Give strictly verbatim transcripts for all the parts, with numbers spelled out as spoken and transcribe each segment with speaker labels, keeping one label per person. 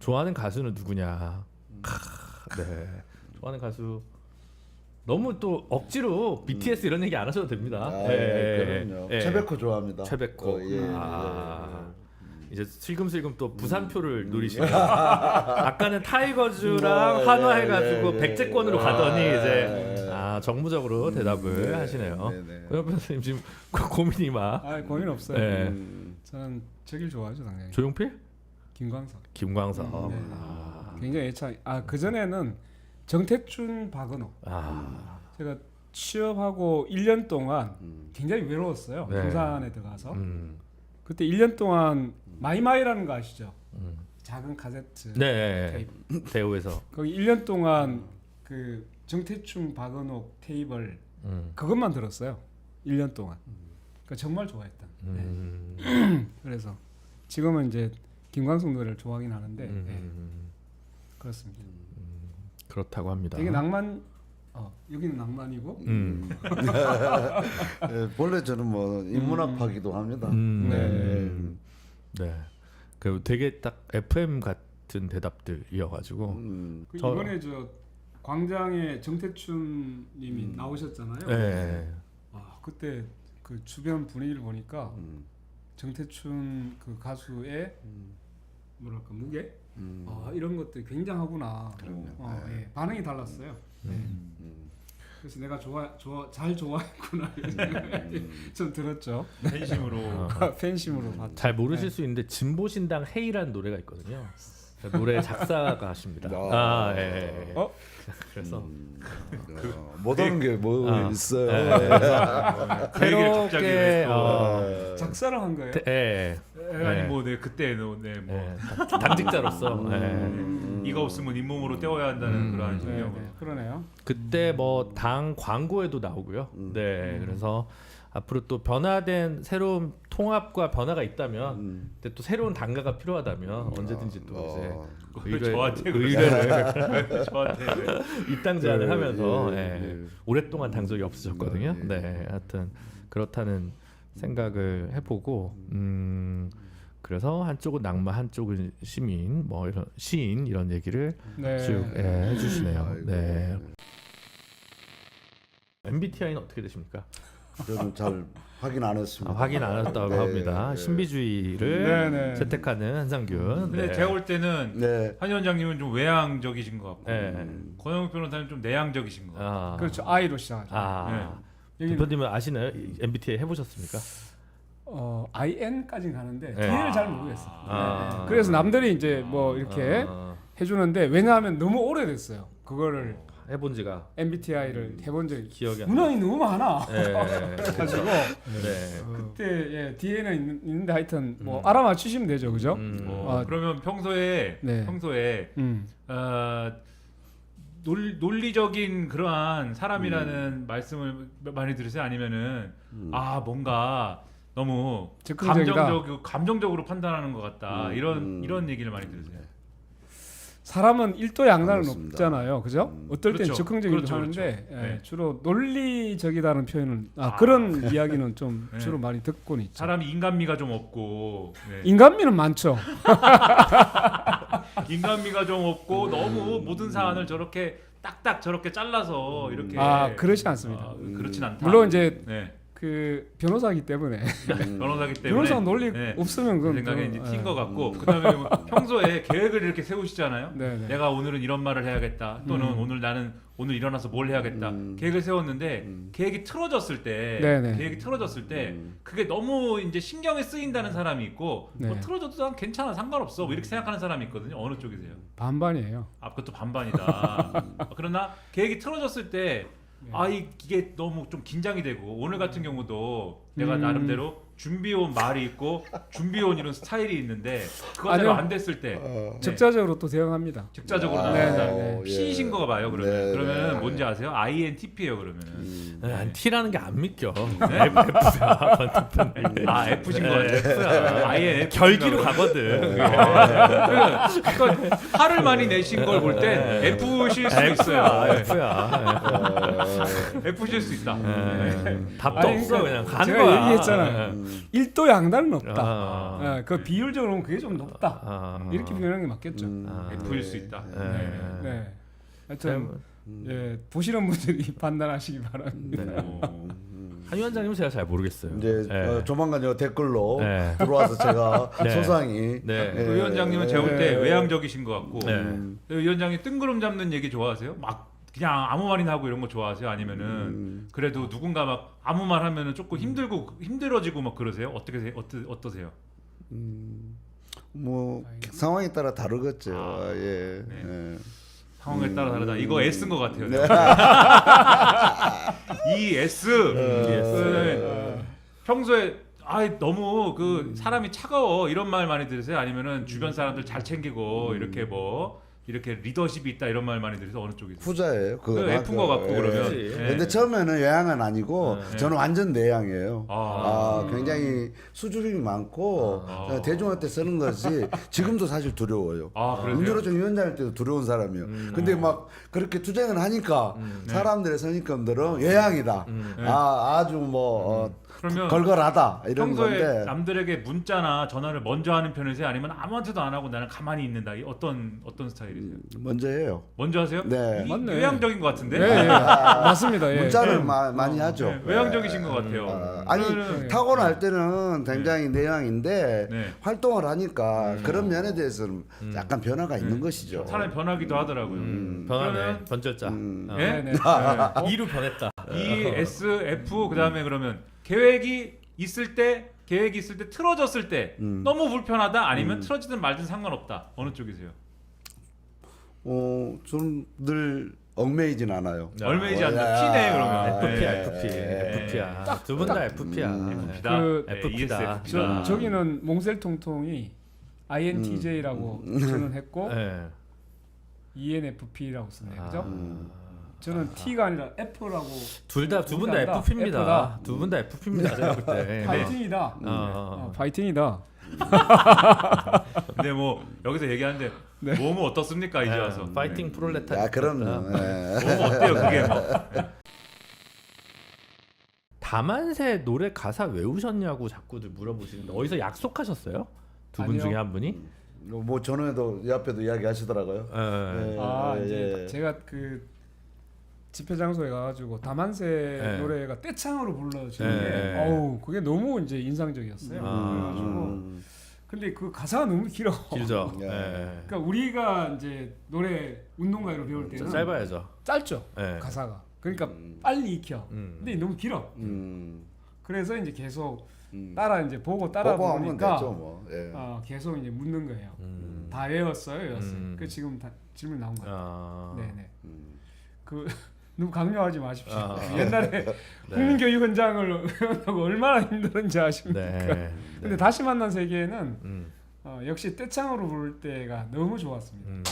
Speaker 1: 좋아하는 가수는 누구냐? 크, 네, 좋아하는 가수 너무 또 억지로 비티에스 이런 얘기 안 하셔도 됩니다.
Speaker 2: 아,
Speaker 1: 예,
Speaker 2: 예, 그럼요.
Speaker 1: 예.
Speaker 2: 최백호 좋아합니다.
Speaker 1: 최백호.
Speaker 2: 어, 예,
Speaker 1: 아,
Speaker 2: 예.
Speaker 1: 이제 슬금슬금 또 부산표를 음. 노리시네요. 아까는 타이거즈랑
Speaker 2: 네,
Speaker 1: 한화
Speaker 2: 네,
Speaker 1: 해가지고
Speaker 2: 네,
Speaker 1: 백제권으로
Speaker 2: 네.
Speaker 1: 가더니
Speaker 2: 아,
Speaker 1: 이제
Speaker 2: 네.
Speaker 1: 아 정무적으로 대답을
Speaker 2: 네,
Speaker 1: 하시네요.
Speaker 2: 네, 네.
Speaker 1: 고영 변호사님 지금 고- 고민이 막.
Speaker 3: 아 고민 없어요.
Speaker 1: 네.
Speaker 2: 음.
Speaker 3: 저는 저길 좋아하죠 당연히.
Speaker 1: 조용필?
Speaker 3: 김광석.
Speaker 1: 김광석.
Speaker 3: 네.
Speaker 1: 아.
Speaker 3: 굉장히 애착. 아그 전에는 정태춘, 박은호.
Speaker 1: 아.
Speaker 3: 제가 취업하고 일 년 동안
Speaker 2: 음.
Speaker 3: 굉장히 외로웠어요.
Speaker 1: 네.
Speaker 3: 부산에 들어가서.
Speaker 1: 음.
Speaker 3: 그때 일 년 동안 마이마이라는 거 아시죠?
Speaker 1: 음.
Speaker 3: 작은 카세트.
Speaker 1: 네.
Speaker 3: 테이프.
Speaker 1: 대우에서.
Speaker 3: 거기 일 년 동안 그 정태춘, 박은호 테이블
Speaker 1: 음.
Speaker 3: 그것만 들었어요. 일 년 동안. 그러니까 정말 좋아했던.
Speaker 1: 음.
Speaker 3: 네. 그래서 지금은 이제 김광석 노래를 좋아하긴 하는데
Speaker 1: 음.
Speaker 3: 네. 그렇습니다.
Speaker 1: 그렇다고 합니다.
Speaker 3: 되게 낭만. 어, 여기는 낭만이고.
Speaker 1: 음.
Speaker 2: 예, 본래 저는 뭐 인문학파기도 합니다.
Speaker 1: 음.
Speaker 2: 네.
Speaker 1: 네. 그 되게 딱 에프엠 같은 대답들이어가지고.
Speaker 2: 음.
Speaker 3: 그
Speaker 1: 저-
Speaker 3: 이번에 저 광장에 정태춘님이
Speaker 2: 음.
Speaker 3: 나오셨잖아요.
Speaker 1: 네.
Speaker 3: 아 그때 그 주변 분위기를 보니까
Speaker 2: 음.
Speaker 3: 정태춘 그 가수의
Speaker 2: 음.
Speaker 3: 뭐랄까 무게
Speaker 2: 음.
Speaker 3: 아, 이런 것들이 굉장하구나.
Speaker 2: 그럼요.
Speaker 3: 어,
Speaker 2: 네.
Speaker 3: 예, 반응이 달랐어요. 네.
Speaker 2: 음.
Speaker 3: 그래서 내가 좋아 좋아 잘 좋아했구나 이런 생각이
Speaker 2: 음.
Speaker 3: 좀 들었죠.
Speaker 4: 팬심으로
Speaker 1: 어.
Speaker 3: 팬심으로 봤죠.
Speaker 1: 잘 모르실
Speaker 3: 네.
Speaker 1: 수 있는데 진보신당 헤이라는 노래가 있거든요. 노래 작사가십니다.
Speaker 2: 아.
Speaker 1: 아, 예. 예.
Speaker 3: 어?
Speaker 1: 그래서
Speaker 2: 음. 어, 못 오는 게 뭐
Speaker 1: 아.
Speaker 2: 있어요.
Speaker 1: 예,
Speaker 4: 그 얘기를 갑자기
Speaker 1: 새롭게
Speaker 4: 왜 또-
Speaker 1: 어,
Speaker 2: 예.
Speaker 3: 작사를 한 거예요.
Speaker 1: 태- 예.
Speaker 4: 에, 아니 뭐네 그때 네뭐
Speaker 1: 예. 당직자로서 예.
Speaker 2: 음.
Speaker 4: 이가 없으면 잇몸으로 때워야 한다는
Speaker 1: 음.
Speaker 4: 그러한
Speaker 3: 네,
Speaker 4: 신념으로
Speaker 3: 네, 그러네요.
Speaker 1: 그때 뭐 당 광고에도 나오고요.
Speaker 2: 음.
Speaker 1: 네, 그래서 앞으로 또 변화된 새로운 통합과 변화가 있다면,
Speaker 2: 음.
Speaker 1: 근데 또 새로운 당가가 필요하다면 언제든지 또
Speaker 2: 어.
Speaker 1: 이제
Speaker 4: 그걸 저한테
Speaker 1: 의뢰를
Speaker 4: 저한테 왜-
Speaker 1: 입당 제안을
Speaker 2: 예,
Speaker 1: 하면서
Speaker 2: 예,
Speaker 1: 예,
Speaker 2: 예.
Speaker 1: 오랫동안 당 적이 없으셨거든요.
Speaker 2: 예, 예.
Speaker 1: 네, 하여튼 그렇다는 생각을 해보고, 음, 그래서 한쪽은 낭만, 한쪽은 시민, 뭐 이런 시인 이런 얘기를
Speaker 3: 네.
Speaker 1: 쭉 예, 해주시네요.
Speaker 2: 아이고.
Speaker 1: 네. 엠비티아이는 어떻게 되십니까?
Speaker 2: 저는 잘 확인 안
Speaker 1: 아,
Speaker 2: 했습니다.
Speaker 1: 확인 안 했다고
Speaker 2: 네,
Speaker 1: 합니다.
Speaker 2: 네.
Speaker 1: 신비주의를
Speaker 3: 네, 네.
Speaker 1: 채택하는 한상균.
Speaker 4: 근데
Speaker 1: 네.
Speaker 4: 제가 볼 때는
Speaker 2: 네.
Speaker 4: 한 위원장님은 좀 외향적이신 것 같고
Speaker 1: 네.
Speaker 4: 권영욱 변호사님 좀 내향적이신 것 같고
Speaker 1: 아,
Speaker 3: 그렇죠. 아이로 시작하죠.
Speaker 1: 아,
Speaker 3: 여기는
Speaker 1: 대표님은 아시나요? 이 엠비티아이 해보셨습니까?
Speaker 3: 어, 아이엔까지는 가는데
Speaker 1: 네.
Speaker 3: 뒤를 잘 모르겠어요.
Speaker 1: 아.
Speaker 3: 네. 그래서 남들이 이제 뭐 이렇게
Speaker 1: 아,
Speaker 3: 해주는데 왜냐하면 너무 오래됐어요. 그거를
Speaker 1: 해본 지가
Speaker 3: 엠비티아이를 해본 적이
Speaker 1: 기억이 안
Speaker 3: 문항이 너무 많아.
Speaker 1: 네.
Speaker 3: 그래가지고
Speaker 1: 네.
Speaker 3: 그때 예, 뒤에는 있는, 있는데 하여튼 뭐
Speaker 1: 음.
Speaker 3: 알아맞히시면 되죠, 그죠?
Speaker 1: 음.
Speaker 4: 어,
Speaker 3: 아.
Speaker 4: 그러면 평소에
Speaker 3: 네.
Speaker 4: 평소에
Speaker 3: 음.
Speaker 4: 어, 논, 논리적인 그러한 사람이라는 말씀을 많이 들으세요? 아니면은
Speaker 2: 음.
Speaker 4: 아 뭔가 너무
Speaker 3: 즉흥적이다.
Speaker 4: 감정적 감정적으로 판단하는 것 같다
Speaker 2: 음,
Speaker 4: 이런
Speaker 2: 음.
Speaker 4: 이런 얘기를 많이 들으세요.
Speaker 3: 사람은 일도양단은
Speaker 2: 그렇습니다.
Speaker 3: 없잖아요, 그죠?
Speaker 2: 음.
Speaker 3: 어떨 땐
Speaker 4: 그렇죠.
Speaker 3: 즉흥적이기도
Speaker 4: 그렇죠,
Speaker 3: 하는데
Speaker 4: 그렇죠.
Speaker 3: 예,
Speaker 4: 네.
Speaker 3: 주로 논리적이다는 표현은 아,
Speaker 4: 아.
Speaker 3: 그런 이야기는 좀
Speaker 4: 네.
Speaker 3: 주로 많이 듣곤 있죠.
Speaker 4: 사람이 인간미가 좀 없고 네.
Speaker 3: 인간미는 많죠.
Speaker 4: 인간미가 좀 없고 너무 모든 사안을 저렇게 딱딱 저렇게 잘라서 이렇게
Speaker 3: 아, 그렇지 않습니다.
Speaker 4: 아, 그렇진 않다.
Speaker 3: 물론 이제
Speaker 4: 네.
Speaker 3: 그 변호사이기 때문에
Speaker 4: 변호사기 때문에
Speaker 3: 변호사 논리
Speaker 4: 네.
Speaker 3: 없으면
Speaker 4: 그
Speaker 3: 그건
Speaker 4: 생각에
Speaker 3: 좀,
Speaker 4: 이제
Speaker 3: 예.
Speaker 4: 튄 것 같고 그다음에 뭐 평소에 계획을 이렇게 세우시잖아요.
Speaker 3: 네, 네.
Speaker 4: 내가 오늘은 이런 말을 해야겠다 또는
Speaker 3: 음.
Speaker 4: 오늘 나는 오늘 일어나서 뭘 해야겠다
Speaker 2: 음.
Speaker 4: 계획을 세웠는데
Speaker 2: 음.
Speaker 4: 계획이 틀어졌을 때
Speaker 3: 네, 네.
Speaker 4: 계획이 틀어졌을 때
Speaker 2: 음.
Speaker 4: 그게 너무 이제 신경에 쓰인다는 사람이 있고
Speaker 3: 네.
Speaker 4: 뭐 틀어져도 난 괜찮아 상관없어 뭐 이렇게 생각하는 사람이 있거든요. 어느 쪽이세요?
Speaker 3: 반반이에요.
Speaker 4: 아 그것도 반반이다. 그러나 계획이 틀어졌을 때
Speaker 3: 네.
Speaker 4: 아 이- 이게 너무 좀 긴장이 되고 오늘 같은 경우도 내가
Speaker 3: 음.
Speaker 4: 나름대로 준비해온 말이 있고 준비해온 이런 스타일이 있는데 그거대로
Speaker 3: 아니요.
Speaker 4: 안 됐을 때
Speaker 2: 어.
Speaker 4: 네.
Speaker 3: 적자적으로 또 대응합니다.
Speaker 4: 적자적으로
Speaker 2: 아,
Speaker 3: 네,
Speaker 4: 나온다.
Speaker 3: 네, 네.
Speaker 4: P이신 거 봐요 그러면.
Speaker 2: 네,
Speaker 4: 그러면
Speaker 2: 네.
Speaker 4: 뭔지 아세요? 아이엔티피예요 그러면은.
Speaker 2: 음.
Speaker 1: 네, 아니, T라는 게 안 믿겨.
Speaker 4: 네?
Speaker 1: F야.
Speaker 4: 아 F신 거
Speaker 1: 네,
Speaker 4: 같아요.
Speaker 1: F야.
Speaker 4: 아이엔
Speaker 1: 결기로 가거든.
Speaker 4: 그러니까 화를 많이 내신 걸 볼 때 F실 수 있어요. 네.
Speaker 1: F야.
Speaker 2: 어.
Speaker 4: F실 수 있다.
Speaker 1: 네. 답도
Speaker 3: 아니,
Speaker 1: 없어
Speaker 3: 그러니까
Speaker 1: 그냥 가는
Speaker 3: 제가
Speaker 1: 거야 거야.
Speaker 3: 얘기했잖아요.
Speaker 2: 음.
Speaker 3: 일도 양단은 없다.
Speaker 1: 아.
Speaker 3: 예, 그 비율적으로 보면 그게 좀 높다.
Speaker 1: 아.
Speaker 3: 이렇게 표현하는 게 맞겠죠.
Speaker 2: 음.
Speaker 1: 아.
Speaker 4: F일 수 있다.
Speaker 1: 네.
Speaker 3: 네. 네. 하여튼
Speaker 2: 음.
Speaker 3: 예, 보시는 분들이 판단하시기 바랍니다.
Speaker 1: 네.
Speaker 2: 음.
Speaker 1: 한 위원장님은 제가 잘 모르겠어요.
Speaker 2: 이제
Speaker 1: 네.
Speaker 2: 어, 조만간 요 댓글로
Speaker 1: 네.
Speaker 2: 들어와서 제가
Speaker 1: 네.
Speaker 2: 소상히
Speaker 1: 네.
Speaker 2: 예,
Speaker 4: 그 위원장님은 제가 볼 때
Speaker 3: 네.
Speaker 4: 외향적이신 것 같고
Speaker 1: 네.
Speaker 2: 음.
Speaker 4: 그 위원장님 뜬구름 잡는 얘기 좋아하세요? 막 그냥 아무 말이나 하고 이런 거 좋아하세요? 아니면은
Speaker 2: 음.
Speaker 4: 그래도 누군가 막 아무 말 하면은 조금 힘들고 힘들어지고 막 그러세요? 어떻게 세- 어떠, 어떠세요?
Speaker 2: 음. 뭐 상황에 따라 다르겠죠.
Speaker 4: 아,
Speaker 2: 예.
Speaker 4: 네.
Speaker 2: 예.
Speaker 4: 상황에 따라 다르다. 이거 S인 것 같아요.
Speaker 2: 네.
Speaker 4: 이 S.
Speaker 1: S.
Speaker 4: 네. 평소에 아 너무 그 사람이 차가워 이런 말 많이 들으세요? 아니면은 주변 사람들 잘 챙기고 이렇게 뭐 이렇게 리더십이 있다 이런 말 많이 들으세요? 어느 쪽이세요?
Speaker 2: 후자예요. 그거
Speaker 4: 그 F인 것 같고
Speaker 2: 예.
Speaker 4: 그러면.
Speaker 1: 그렇지.
Speaker 4: 네.
Speaker 2: 근데 처음에는 외향은 아니고
Speaker 1: 네.
Speaker 2: 저는 완전 내향이에요.
Speaker 4: 아.
Speaker 2: 아, 굉장히 수줍음이 많고
Speaker 4: 아.
Speaker 2: 어, 대중한테 쓰는 것이 지금도 사실 두려워요.
Speaker 4: 아 그러세요?
Speaker 2: 문준호정 위원장일 때도 두려운 사람이에요.
Speaker 1: 음.
Speaker 2: 근데 막 그렇게 투쟁을 하니까
Speaker 1: 음.
Speaker 4: 네.
Speaker 2: 사람들의 선입견들은 외향이다.
Speaker 1: 음.
Speaker 4: 네.
Speaker 2: 아 아주 뭐 어,
Speaker 4: 그러면
Speaker 2: 걸걸하다 이런
Speaker 4: 평소에
Speaker 2: 건데
Speaker 4: 남들에게 문자나 전화를 먼저 하는 편이세요? 아니면 아무한테도 안 하고 나는 가만히 있는다. 이 어떤 어떤 스타일이세요?
Speaker 2: 먼저 해요.
Speaker 4: 먼저 하세요?
Speaker 2: 네.
Speaker 4: 이
Speaker 3: 맞네.
Speaker 4: 외향적인 것 같은데.
Speaker 3: 예, 예. 맞습니다. 예.
Speaker 2: 문자를
Speaker 3: 예.
Speaker 2: 마, 많이 하죠.
Speaker 4: 네, 외향적이신 것 같아요.
Speaker 2: 아, 아니
Speaker 4: 그러면은-
Speaker 2: 타고날 때는 굉장히 내향인데
Speaker 4: 네.
Speaker 2: 활동을 하니까
Speaker 4: 음.
Speaker 2: 그런 면에 대해서는
Speaker 1: 음.
Speaker 2: 약간 변화가 있는 것이죠.
Speaker 4: 사람이 변하기도 하더라고요.
Speaker 1: 음. 변하네.
Speaker 4: 그러면-
Speaker 1: 번졌자.
Speaker 2: 음.
Speaker 1: 어.
Speaker 4: 예?
Speaker 3: 네, 네.
Speaker 1: 이로 변했다.
Speaker 4: E, S, F 그다음에 그러면 계획이 있을 때 계획이 있을 때 틀어졌을 때
Speaker 2: 음.
Speaker 4: 너무 불편하다 아니면
Speaker 2: 음.
Speaker 4: 틀어지든 말든 상관없다. 어느 쪽이세요?
Speaker 2: 어, 저는 늘 얽매이진 않아요.
Speaker 1: 야.
Speaker 4: 얼매이지
Speaker 2: 어,
Speaker 4: 않는
Speaker 2: 야.
Speaker 4: P네 그러면.
Speaker 1: FP야,
Speaker 2: 네.
Speaker 1: FP,
Speaker 2: 네.
Speaker 1: FP야. 두 분 다 FP야.
Speaker 2: 음.
Speaker 4: F다.
Speaker 3: 그-
Speaker 4: 네,
Speaker 1: FP다.
Speaker 4: 이에스에프피다.
Speaker 3: 저, 저기는 몽셀통통이 아이엔티제이라고 저는 했고
Speaker 1: 네.
Speaker 3: 이엔에프피라고 쓰네요. 그죠?
Speaker 2: 음.
Speaker 3: 저는 T가 아니라 F라고
Speaker 1: 둘 다 두 분 다
Speaker 3: F다.
Speaker 1: FP입니다.
Speaker 3: F다.
Speaker 1: 두 분 다 FP입니다. 제가 볼 때.
Speaker 3: 파이팅이다.
Speaker 1: 어, 어,
Speaker 3: 어,
Speaker 1: 어.
Speaker 3: 파이팅이다.
Speaker 4: 근데 뭐 여기서 얘기하는데
Speaker 3: 네.
Speaker 4: 몸은 어떻습니까 이제 와서?
Speaker 1: 네, 파이팅 프롤레타리아.
Speaker 2: 야, 그럼요. 예.
Speaker 4: 몸은 어때요 그게 뭐?
Speaker 1: 다만세 노래 가사 외우셨냐고 자꾸들 물어보시는데 어디서 약속하셨어요? 두 분
Speaker 3: 아니요.
Speaker 1: 중에 한 분이?
Speaker 2: 뭐 전에도 옆에도 이야기하시더라고요.
Speaker 1: 예.
Speaker 2: 예.
Speaker 3: 아
Speaker 2: 예,
Speaker 3: 이제
Speaker 2: 예.
Speaker 3: 제가 그 집회 장소에 가가지고 다만세
Speaker 1: 네.
Speaker 3: 노래가 떼창으로 불러지는
Speaker 1: 네.
Speaker 3: 게 어우 그게 너무 이제 인상적이었어요.
Speaker 1: 아.
Speaker 3: 그래가지고
Speaker 2: 음.
Speaker 3: 근데 그 가사가 너무 길어.
Speaker 1: 길죠.
Speaker 2: 예.
Speaker 1: 예.
Speaker 3: 그러니까 우리가 이제 노래 운동가로 배울 때는
Speaker 1: 짧아야죠.
Speaker 3: 짧죠
Speaker 1: 예.
Speaker 3: 가사가. 그러니까
Speaker 2: 음.
Speaker 3: 빨리 익혀.
Speaker 1: 음.
Speaker 3: 근데 너무 길어.
Speaker 2: 음.
Speaker 3: 그래서 이제 계속
Speaker 2: 음.
Speaker 3: 따라 이제 보고 따라
Speaker 2: 보고 하면
Speaker 3: 보니까
Speaker 2: 됐죠, 뭐. 예.
Speaker 3: 어, 계속 이제 묻는 거예요.
Speaker 1: 음.
Speaker 3: 다 외웠어요, 외웠어요.
Speaker 1: 음.
Speaker 3: 그 지금 다 질문 나온 거예요.
Speaker 1: 아.
Speaker 3: 네네.
Speaker 2: 음.
Speaker 3: 그 너무 강요하지 마십시오.
Speaker 1: 아.
Speaker 3: 옛날에 국민교육 현장을 외운다고 얼마나 힘들었는지 아십니까?
Speaker 1: 네.
Speaker 3: 근데 다시 만난 세계에는
Speaker 1: 음.
Speaker 3: 어, 역시 떼창으로 부를 때가 너무 좋았습니다.
Speaker 1: 음.
Speaker 3: 네.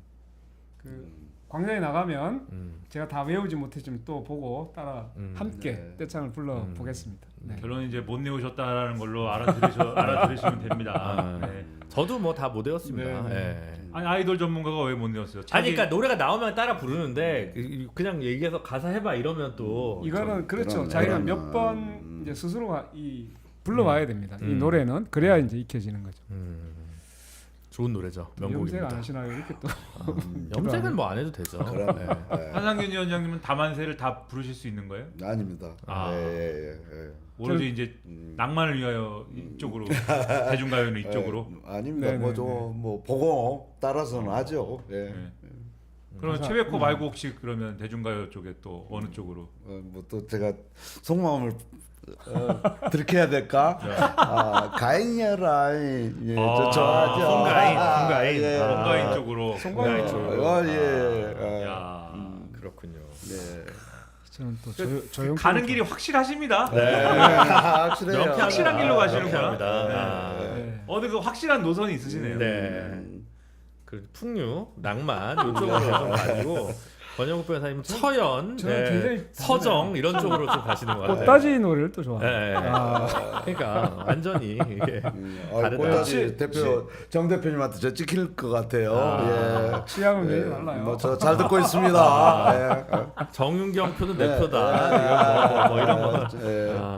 Speaker 3: 그 광장에 나가면
Speaker 1: 음.
Speaker 3: 제가 다 외우지 못했지만 또 보고 따라
Speaker 1: 음.
Speaker 3: 함께
Speaker 2: 네.
Speaker 3: 떼창을 불러
Speaker 1: 음.
Speaker 3: 보겠습니다. 네.
Speaker 4: 결론 이제 못 내오셨다라는 걸로 알아들으셔 알아들으시면 됩니다.
Speaker 1: 아.
Speaker 4: 네.
Speaker 1: 저도 뭐 다 못 외웠습니다.
Speaker 3: 네, 네.
Speaker 1: 예.
Speaker 4: 아니 아이돌 전문가가 왜 못 내었어요?
Speaker 1: 아니
Speaker 4: 자기-
Speaker 1: 그러니까 노래가 나오면 따라 부르는데 그- 그냥 얘기해서 가사 해봐 이러면 또
Speaker 3: 이거는 그렇죠.
Speaker 2: 그러면-
Speaker 3: 자기가
Speaker 2: 그러면-
Speaker 3: 몇 번
Speaker 2: 음.
Speaker 3: 이제 스스로가 이 불러와야 됩니다. 이
Speaker 1: 음.
Speaker 3: 노래는 그래야 이제 익혀지는 거죠.
Speaker 1: 음. 좋은 노래죠.
Speaker 3: 염색 안
Speaker 1: 명곡입니다.
Speaker 3: 하시나요? 이렇게 또
Speaker 2: 음.
Speaker 1: 염색은 뭐 안 해도 되죠.
Speaker 2: 그럼
Speaker 1: 예.
Speaker 2: 예.
Speaker 4: 한상균 위원장님은 다만세를 다 부르실 수 있는 거예요?
Speaker 2: 아닙니다.
Speaker 4: 아.
Speaker 2: 예, 예, 예.
Speaker 4: 오로지 이제
Speaker 2: 음.
Speaker 4: 낭만을 위하여 이쪽으로 대중가요는 이쪽으로.
Speaker 2: 예, 아닙니다.
Speaker 3: 네네네.
Speaker 2: 뭐좀뭐 보고 따라서는 하죠. 예.
Speaker 4: 네. 그러면
Speaker 3: 가사-
Speaker 4: 최백호
Speaker 3: 음.
Speaker 4: 말고 혹시 그러면 대중가요 쪽에 또 어느 쪽으로?
Speaker 2: 어, 뭐또 제가 속마음을 어, 들켜야 될까? 아, 가인이라 예,
Speaker 4: 아,
Speaker 2: 저 좋아하죠.
Speaker 1: 송가인,
Speaker 2: 아,
Speaker 1: 송가인.
Speaker 2: 예.
Speaker 1: 아.
Speaker 4: 송가인 쪽으로.
Speaker 3: 송가인
Speaker 1: 네.
Speaker 3: 쪽으로.
Speaker 2: 어, 예. 어,
Speaker 4: 야.
Speaker 2: 음,
Speaker 1: 그렇군요.
Speaker 2: 네.
Speaker 3: 저는 또
Speaker 4: 그-
Speaker 3: 조, 조용
Speaker 4: 가는 길이 확실하십니다.
Speaker 1: 네.
Speaker 2: 아, 확실해요.
Speaker 1: 명쾌합니다.
Speaker 4: 확실한 길로 가시는구나.
Speaker 1: 명쾌합니다.
Speaker 4: 네.
Speaker 1: 아.
Speaker 3: 네.
Speaker 4: 어느 그 확실한 노선이 있으시네요.
Speaker 1: 네.
Speaker 2: 음.
Speaker 1: 그 풍류, 낭만 이쪽으로 좀 가지고 권영국 변호사님은 처연,
Speaker 3: 저는
Speaker 1: 네,
Speaker 3: 굉장히
Speaker 1: 서정 이런 쪽으로 좀 가시는 것 같아요.
Speaker 3: 꽃다지 노래를 또 좋아해요.
Speaker 1: 네.
Speaker 3: 아.
Speaker 1: 그러니까 완전히 이게
Speaker 2: 음, 아,
Speaker 1: 다르다.
Speaker 2: 꽃다지 대표 정 대표님한테 저 찍힐 것 같아요.
Speaker 1: 아.
Speaker 3: 취향은
Speaker 2: 예.
Speaker 3: 굉장히 달라요.
Speaker 2: 뭐저 잘 듣고 있습니다. 예.
Speaker 1: 정윤경 표는 내
Speaker 2: 네.
Speaker 1: 표다. 이런 거, 뭐 이런 거.
Speaker 2: 예.
Speaker 1: 아,
Speaker 2: 예.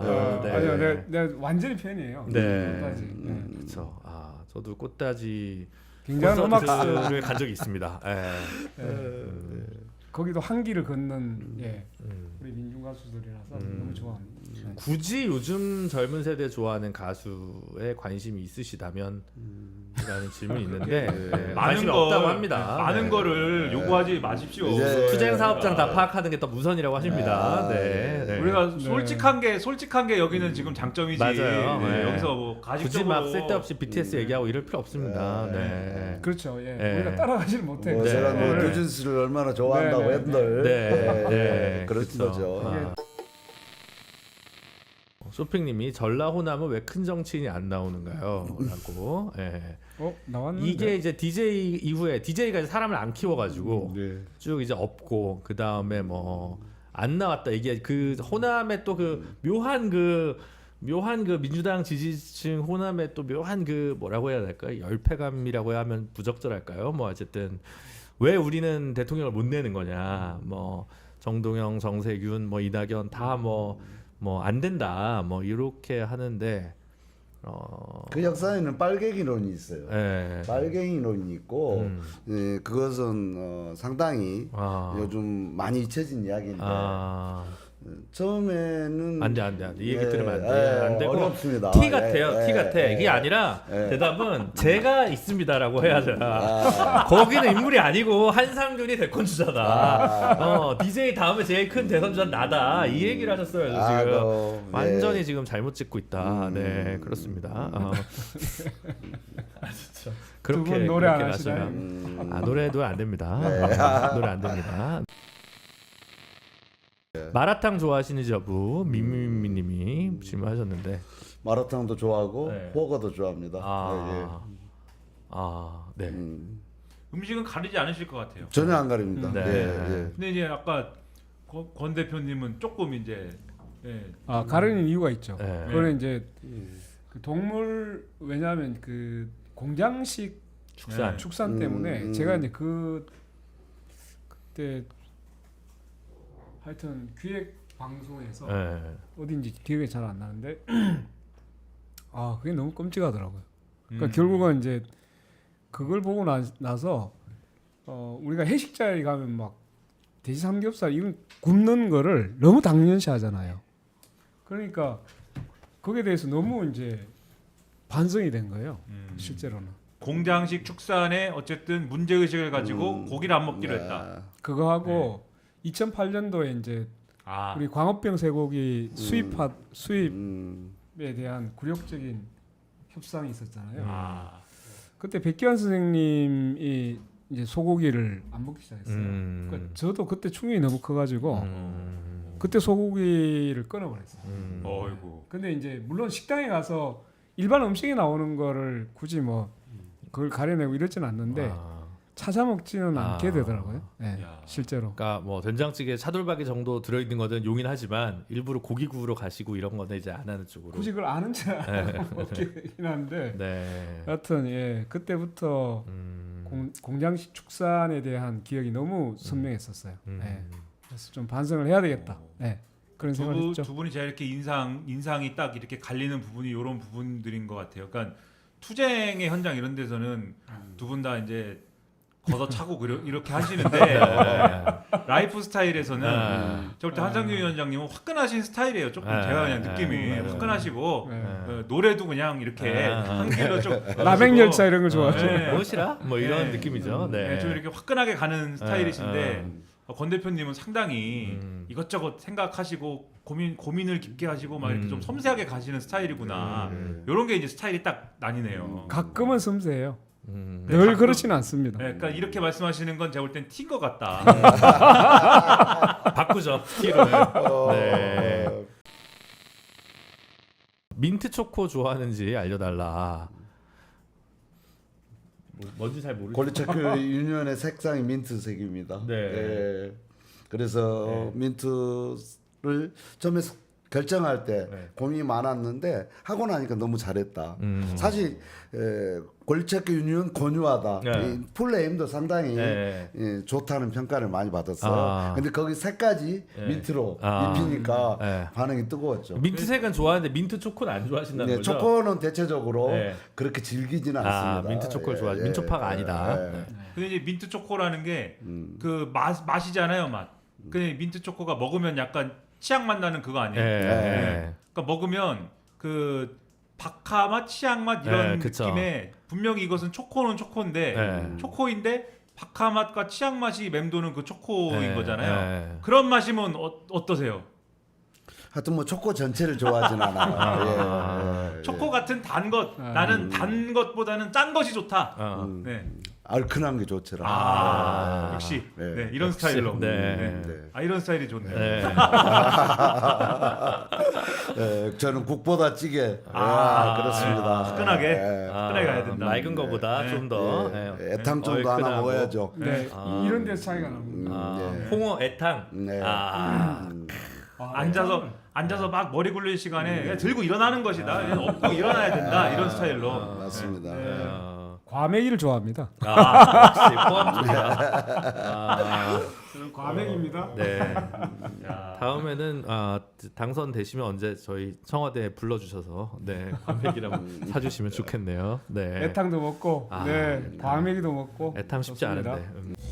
Speaker 1: 네.
Speaker 3: 아니요, 내가, 내가 완전히 팬이에요.
Speaker 1: 네.
Speaker 3: 꽃다지. 네.
Speaker 2: 음.
Speaker 1: 그렇죠. 아 저도 꽃다지
Speaker 3: 굉장한 음악
Speaker 1: 콘서트를 간 적이 있습니다. 예.
Speaker 3: 예.
Speaker 1: 음.
Speaker 3: 거기도 한기를 걷는 예,
Speaker 1: 음.
Speaker 3: 우리 민중 가수들이라서
Speaker 1: 음.
Speaker 3: 너무 좋아합니다. 네.
Speaker 1: 굳이 요즘 젊은 세대 좋아하는 가수에 관심이 있으시다면 라는 질문이 있는데 네,
Speaker 4: 많은
Speaker 1: 관심이
Speaker 4: 거
Speaker 1: 없다고 합니다.
Speaker 4: 많은
Speaker 1: 네.
Speaker 4: 거를 요구하지 마십시오.
Speaker 2: 이제-
Speaker 1: 투쟁 사업장 다 파악하는 게 더 우선이라고 하십니다.
Speaker 2: 아,
Speaker 1: 네. 네.
Speaker 4: 우리가
Speaker 3: 네.
Speaker 4: 솔직한 게 솔직한 게 여기는 지금 장점이지.
Speaker 1: 맞아요.
Speaker 4: 네,
Speaker 1: 네.
Speaker 4: 여기서 뭐
Speaker 1: 굳이
Speaker 4: 가식적으로
Speaker 1: 막 쓸데없이 비티에스 얘기하고 이럴 필요 없습니다.
Speaker 2: 네.
Speaker 1: 네.
Speaker 3: 그렇죠. 예.
Speaker 1: 네.
Speaker 3: 우리가 따라가지를 못해.
Speaker 2: 뭐
Speaker 1: 네.
Speaker 2: 제가 뭐
Speaker 1: 네.
Speaker 2: 뉴진스를 얼마나 좋아한다고
Speaker 3: 네, 네,
Speaker 2: 했들
Speaker 1: 네.
Speaker 2: 네,
Speaker 1: 네.
Speaker 2: 그렇죠.
Speaker 1: 그렇죠.
Speaker 2: 거죠.
Speaker 1: 아. 쇼핑님이 전라호남은 왜 큰 정치인이 안 나오는가요? 라고. 예.
Speaker 3: 어 나왔는데.
Speaker 1: 이게 이제 디제이 이후에 디제이가 사람을 안 키워가지고
Speaker 2: 네.
Speaker 1: 쭉 이제 없고 그 다음에 뭐 안 나왔다 이게 그 호남의 또 그 묘한 그 묘한 그 민주당 지지층 호남의 또 묘한 그 뭐라고 해야 될까요? 열패감이라고 하면 부적절할까요? 뭐 어쨌든 왜 우리는 대통령을 못 내는 거냐? 뭐 정동영, 정세균, 뭐 이낙연 다 뭐 뭐 안 된다 뭐 이렇게 하는데 어.
Speaker 2: 그 역사에는 빨갱이론이 있어요.
Speaker 1: 예.
Speaker 2: 빨갱이론이 있고
Speaker 1: 음.
Speaker 2: 예, 그것은 어, 상당히
Speaker 1: 아.
Speaker 2: 요즘 많이 잊혀진 이야기인데
Speaker 1: 아.
Speaker 2: 처음에는
Speaker 1: 안 돼, 안 돼, 안 돼. 이 얘기
Speaker 2: 예,
Speaker 1: 들으면 안 돼.
Speaker 2: 예,
Speaker 1: 안 되고.
Speaker 2: 어렵습니다.
Speaker 1: 티
Speaker 2: 예,
Speaker 1: 같아요.
Speaker 2: 예,
Speaker 1: 티 같아.
Speaker 2: 예,
Speaker 1: 이게 아니라
Speaker 2: 예.
Speaker 1: 대답은 제가 있습니다라고 해야 돼.
Speaker 2: 아,
Speaker 1: 거기는 인물이 아니고 한상균이 대권 주자다.
Speaker 2: 아.
Speaker 1: 어, 디제이 다음에 제일 큰 대선 주자 나다. 이 얘기를 하셨어요.
Speaker 2: 아,
Speaker 1: 지금
Speaker 2: 너, 네.
Speaker 1: 완전히 지금 잘못 찍고 있다.
Speaker 2: 음.
Speaker 1: 네, 그렇습니다. 어. 아, 진짜.
Speaker 3: 두
Speaker 1: 그렇게
Speaker 3: 분 노래 안
Speaker 1: 그렇게
Speaker 3: 하시나요?
Speaker 1: 마시면
Speaker 2: 음,
Speaker 1: 아, 노래도 안 됩니다.
Speaker 2: 네.
Speaker 1: 어, 노래 안 됩니다. 마라탕 좋아하시는지 여부 미미미님이 질문하셨는데
Speaker 2: 마라탕도 좋아하고
Speaker 1: 네.
Speaker 2: 버거도 좋아합니다.
Speaker 1: 아, 아, 네.
Speaker 2: 예, 예. 음,
Speaker 4: 음식은 가리지 않으실 것 같아요.
Speaker 2: 전혀 안 가립니다.
Speaker 1: 네.
Speaker 2: 예, 예.
Speaker 4: 근데 이제 아까 권, 권 대표님은 조금 이제 예,
Speaker 3: 아 가르는 이유가 있죠.
Speaker 1: 네.
Speaker 3: 그거는 이제 그 동물 왜냐하면 그 공장식
Speaker 1: 축산.
Speaker 4: 네.
Speaker 3: 축산
Speaker 2: 음,
Speaker 3: 때문에
Speaker 2: 음.
Speaker 3: 제가 이제 그 그때 하여튼 기획 방송에서
Speaker 1: 네.
Speaker 3: 어딘지 기억이 잘 안 나는데 아 그게 너무 끔찍하더라고요. 그러니까
Speaker 4: 음.
Speaker 3: 결국은 이제 그걸 보고 나, 나서 어, 우리가 회식 자리 가면 막 돼지 삼겹살 이런 굽는 거를 너무 당연시하잖아요. 그러니까 거기에 대해서 너무 이제 반성이 된 거예요.
Speaker 4: 음.
Speaker 3: 실제로는
Speaker 4: 공장식 축산에 어쨌든 문제 의식을 가지고
Speaker 2: 음.
Speaker 4: 고기를 안 먹기로
Speaker 2: 네.
Speaker 4: 했다.
Speaker 3: 그거 하고 이천팔 년도에 이제
Speaker 4: 아,
Speaker 3: 우리 광업병 쇠고기 수입하 수입에
Speaker 2: 음,
Speaker 3: 대한 굴욕적인 협상이 있었잖아요.
Speaker 4: 아,
Speaker 3: 그때 백기환 선생님이 이제 소고기를 안 먹기 시작했어요.
Speaker 1: 음.
Speaker 3: 그러니까 저도 그때 충격이 너무 커가지고
Speaker 1: 음.
Speaker 3: 그때 소고기를 끊어버렸어요.
Speaker 1: 음.
Speaker 4: 어이구.
Speaker 3: 근데 이제 물론 식당에 가서 일반 음식에 나오는 거를 굳이 뭐 그걸 가려내고 이러지는 않는데
Speaker 1: 아.
Speaker 3: 찾아 먹지는
Speaker 1: 아.
Speaker 3: 않게 되더라고요. 네,
Speaker 4: 야.
Speaker 3: 실제로.
Speaker 1: 그러니까 뭐 된장찌개 차돌박이 정도 들어있는 거는 용인하지만 일부러 고기 구우러 가시고 이런 거는 이제 안 하는 쪽으로.
Speaker 3: 굳이 그걸 아는 척 먹게 되긴 한데
Speaker 1: 네.
Speaker 3: 하여튼 예 그때부터
Speaker 1: 음.
Speaker 3: 공, 공장식 축산에 대한 기억이 너무 선명했었어요.
Speaker 1: 음.
Speaker 3: 예. 그래서 좀 반성을 해야 되겠다. 예. 그런
Speaker 4: 두,
Speaker 3: 생각을
Speaker 4: 분-
Speaker 3: 했죠.
Speaker 4: 두 분이 제가 이렇게 인상 인상이 딱 이렇게 갈리는 부분이 이런 부분들인 것 같아요. 그러니까 투쟁의 현장 이런 데서는 두 분 다 이제 걷어차고 그려- 이렇게 하시는데 라이프 스타일에서는
Speaker 1: 네.
Speaker 4: 저 볼 때 한상규 위원장님은 화끈하신 스타일이에요. 조금
Speaker 1: 네.
Speaker 4: 제가 그냥 느낌이
Speaker 1: 네.
Speaker 4: 화끈하시고
Speaker 3: 네.
Speaker 4: 어, 노래도 그냥 이렇게
Speaker 1: 네.
Speaker 4: 한 길로 좀
Speaker 3: 라멘 열차 이런 거 좋아하죠.
Speaker 4: 네.
Speaker 1: 무엇이라? 뭐 이런
Speaker 4: 네.
Speaker 1: 느낌이죠. 네.
Speaker 4: 네, 좀 이렇게 화끈하게 가는 스타일이신데
Speaker 1: 음.
Speaker 4: 어, 권 대표님은 상당히
Speaker 1: 음.
Speaker 4: 이것저것 생각하시고 고민 고민을 깊게 하시고 막 이렇게
Speaker 1: 음.
Speaker 4: 좀 섬세하게 가시는 스타일이구나.
Speaker 1: 음.
Speaker 4: 이런 게 이제 스타일이 딱 나뉘네요.
Speaker 3: 가끔은 섬세해요.
Speaker 1: 음.
Speaker 4: 네,
Speaker 3: 늘
Speaker 4: 가끔-
Speaker 3: 그렇지는 않습니다.
Speaker 4: 네, 그러니까 이렇게 말씀하시는 건 제가 볼 땐 튄 것 같다.
Speaker 1: 바꾸죠. 티를.
Speaker 2: 어,
Speaker 1: 네. 민트 초코 좋아하는지 알려달라. 뭐, 뭔지 잘 모르겠어요.
Speaker 2: 골리체크 유니언의 색상이 민트색입니다.
Speaker 1: 네.
Speaker 2: 예. 그래서 민트를 처음에 결정할 때
Speaker 1: 네.
Speaker 2: 고민이 많았는데 하고 나니까 너무 잘했다.
Speaker 1: 음.
Speaker 2: 사실 에, 골체크 유니온 권유하다.
Speaker 1: 네.
Speaker 2: 이 플레임도 상당히
Speaker 1: 네.
Speaker 2: 예, 좋다는 평가를 많이 받았어요.
Speaker 1: 아.
Speaker 2: 근데 거기 색까지
Speaker 1: 네.
Speaker 2: 민트로
Speaker 1: 아.
Speaker 2: 입히니까
Speaker 1: 네.
Speaker 2: 반응이 뜨거웠죠.
Speaker 1: 민트색은 좋아하는데 민트 초코는 안 좋아하신다는
Speaker 2: 네,
Speaker 1: 거죠?
Speaker 2: 초코는 대체적으로
Speaker 1: 네.
Speaker 2: 그렇게 질기지는
Speaker 1: 아,
Speaker 2: 않습니다.
Speaker 1: 민트 초코를
Speaker 2: 예,
Speaker 1: 좋아하지.
Speaker 2: 예,
Speaker 1: 민초파가
Speaker 2: 예,
Speaker 1: 아니다.
Speaker 2: 예.
Speaker 1: 네.
Speaker 4: 근데 이제 민트 초코라는 게
Speaker 2: 음.
Speaker 4: 그 맛 맛이잖아요, 맛. 근데 민트 초코가 먹으면 약간 치약 맛 나는 그거 아니에요?
Speaker 1: 예.
Speaker 2: 네.
Speaker 4: 그러니까 먹으면 그 박하 맛, 치약 맛 이런
Speaker 1: 네, 그쵸.
Speaker 4: 느낌에 분명히 이것은 초코는 초코인데
Speaker 1: 네.
Speaker 4: 초코인데 박하 맛과 치약 맛이 맴도는 그 초코인
Speaker 1: 네,
Speaker 4: 거잖아요.
Speaker 1: 네.
Speaker 4: 그런 맛이면 어, 어떠세요?
Speaker 2: 하여튼 뭐 초코 전체를 좋아하진 않아요.
Speaker 1: 아.
Speaker 2: 예, 예,
Speaker 4: 초코 같은 단 것,
Speaker 3: 아.
Speaker 4: 나는 단 것보다는 짠 것이 좋다.
Speaker 1: 어.
Speaker 2: 음.
Speaker 4: 네.
Speaker 2: 얼큰한 게 좋더라.
Speaker 4: 아,
Speaker 1: 아.
Speaker 4: 역시
Speaker 2: 네.
Speaker 4: 네, 이런
Speaker 1: 역시,
Speaker 4: 스타일로.
Speaker 1: 네.
Speaker 4: 네.
Speaker 2: 네.
Speaker 4: 아 이런 스타일이 좋네요.
Speaker 1: 네.
Speaker 2: 예, 저는 국보다 찌개.
Speaker 4: 아,
Speaker 2: 아, 그렇습니다.
Speaker 4: 화끈하게.
Speaker 2: 예,
Speaker 1: 아,
Speaker 4: 화끈하게 가야 된다.
Speaker 1: 맑은 거보다
Speaker 4: 네.
Speaker 1: 좀 더.
Speaker 2: 예,
Speaker 1: 네.
Speaker 2: 애탕 정도 하나
Speaker 1: 얼큰하고.
Speaker 2: 먹어야죠.
Speaker 3: 네,
Speaker 1: 아.
Speaker 3: 이런 데서 차이가 납니다.
Speaker 2: 음,
Speaker 1: 아,
Speaker 2: 예.
Speaker 1: 홍어 애탕.
Speaker 2: 네.
Speaker 1: 아.
Speaker 2: 음,
Speaker 3: 아,
Speaker 4: 앉아서 앉아서 막 머리 굴릴 시간에 그냥 들고 일어나는 것이다. 그냥 업고 일어나야 된다. 이런 스타일로.
Speaker 2: 아, 맞습니다.
Speaker 4: 네.
Speaker 1: 어.
Speaker 3: 과메기를 좋아합니다.
Speaker 1: 아, 역시 포함 쪽이다. 아,
Speaker 3: 저는 과메기입니다.
Speaker 1: 네.
Speaker 4: 야.
Speaker 1: 다음에는 아, 당선되시면 언제 저희 청와대에 불러주셔서 네 관백이랑 사주시면 좋겠네요. 네.
Speaker 3: 애탕도 먹고,
Speaker 1: 아,
Speaker 3: 네, 과메기도 먹고.
Speaker 1: 애탕 쉽지
Speaker 3: 좋습니다.
Speaker 1: 않은데. 음.